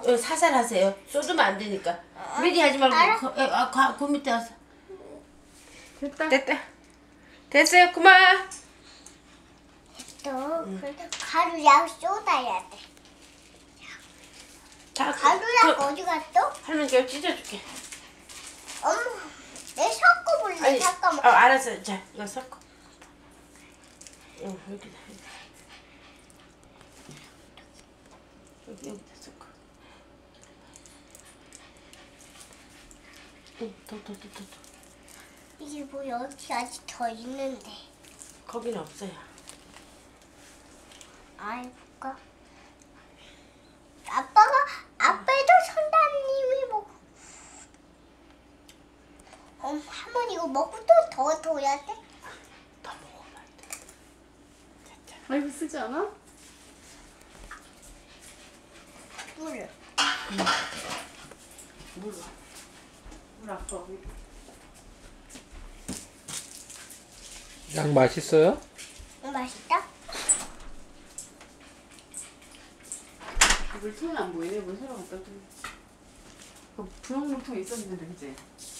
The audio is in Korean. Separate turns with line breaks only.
살살 하세요. 쏟으면 안 되니까. 미리 하지 말고 그 밑에 와서. 됐다. 됐어요. 그만.
또 가루약 쏟아야 돼.
자,
가루약 어디 갔어?
할머니가 찢어줄게.
엄마, 내 섞어볼래.
아니,
잠깐만.
알았어. 자, 이거 섞어. 응, 여기다. 여기다 섞어. 응, 더.
이게 뭐 여기 아직 더 있는데.
거기는 없어요.
아이고가. 아빠도 선생님이 먹고. 할머니 이거 먹고 또 더 둬야 돼?
더 먹으면 안 돼. 자.
아이고 쓰지 않아?
물을.
물
아까
양 맛있어요?
맛있다?
물통이 안 보이네. 물 새로 갖다 줘. 그 분홍 물통 있었는데 그치?